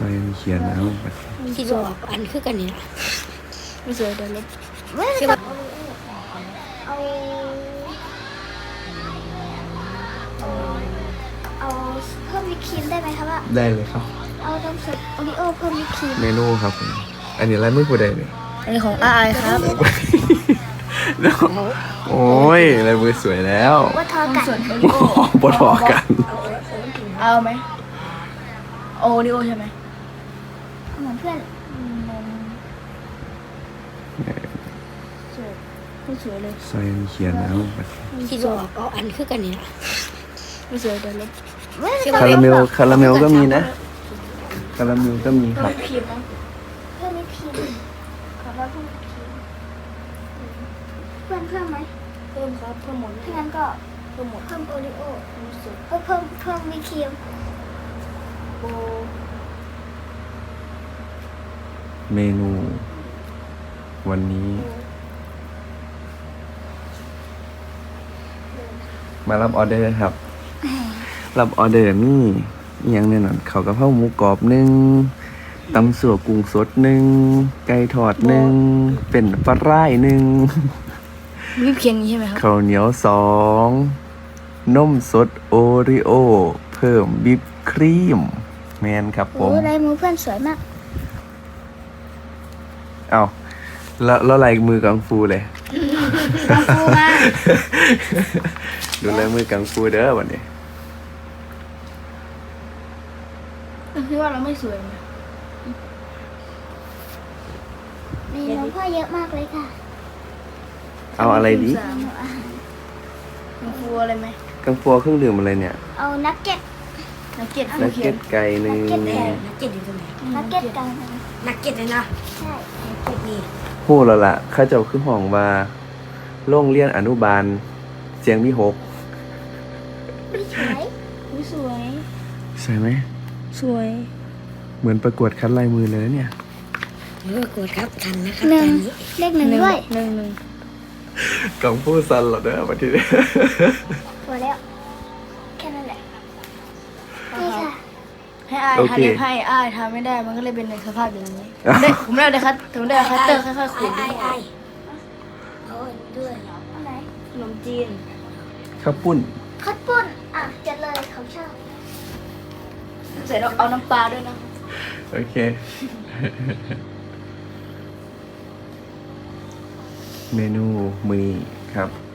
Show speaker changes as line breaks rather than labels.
อยเขียนเอา
คิดว่าออกอันคือกันนี่ล่ะ
ไม่สวยเดี๋ยวลบ
คิดว่า
เอาเพิ่มวิปครีมได้ไหมครับว่า
ได้เลยครับ
เอานมสดโอริโอเพิ่มวิปครีม
เมนูครับผมอันนี้อะไรไม่พูดได้เลย
อันนี้ของอายครับ
โอ้ยลายมือสวยแล้ว
ว่าทอกัน
ส่วนโอริโอ
ปวดหัวกัน
เอาไหมโอริโอใช่ไหม
เหมือนเพื่อน
สวยไม่สวยเลย
ซอยเขียนเอา
คิดว่าออกอันคือกันนี่ล่ะ
ไม่สวยเดี๋ยวลบ
คาราเมลก็มีนะคาราเมลก็มีครับ
ครีมนะ
เพิ่มวิปครีมขอเราเพิ่มวิปครีมเพิ่มไหม
เพิ่มครับเพิ่มหมด
ถ้างั้นก็
เพิ่มหมด
เพิ่มโอริโอเพิ่มวิปครีม
โอ
เมนูวันนี้ มารับออเดอร์ครับ รับออเดอร์นี่อิหยังเนี่ยนั่นเขาวกะเพราหมูกรอบหนึ่งตำสั่วกุ้งสดหนึ่งไก่ทอดหนึ่งเป็นปลาร่ายหนึ่ง
วิปเคียงนี้ใช่ไหมครับ
ข้าวเหนียวสองนมสดโอริโอเพิ่มบิปครีมแมนครับผ
โอ้
ม
ลายมือเพื่อนสวยมาก
เอาแล้วลายมือกังฟูเลย
กังฟูมาก
ดูลายมือกังฟูเด้อวันนี้
คิดว่าเราไม่สวยไหม
เมนูพ่อเยอะมากเลยค่ะ
เอาอะไรดี
เมนูอาหาร
มันฟูอะไรไหม
กังฟูเครื่องดื่มอะไรเนี่ย
เอานักเก็ต
นักเก็ต
นักเก็ตไก่หนึ่ง
นักเก็ต
นักเก็ตอยู่ตรงไหน
นักเก็ตกัน
นักเก็ตเลยนะ
ใช่
นักเก็ตนี่
พูดแล้วล่ะข้าเจ้าคือห้องว่าโรงเรียนอนุบาลเสียงมีหก
สวย
อุ๊ยสวย
ใช่ไหม
สวย
เหมือนประกวดคัดลายมือเลยเนี่ย
กดครับทันนะครับ
หนึ่
ตอง นนี้
เลขหนึ่งด้วย
หนึ่ง
กังฟูซันเหรอเด้อวันที่นี้
พอแล้วแค่นั้นแหละนี่ค่ะ
ให้อายทำเล็บให้อายทำไม่ได้มันก็เลยเป็นในสภาพอย่างนี้ผมได้คัตผมได้คัตเตอร์ค่อยๆขูด
ไอ้เอาด้วย
อันไหน
ขนมจีน
ข้าวปุ้น
คัดปุ้นอ่ะจัดเลยเขาชอบ
ใส่เอาน้ำปลาด้วยนะ
โอเค เมนูมือครับ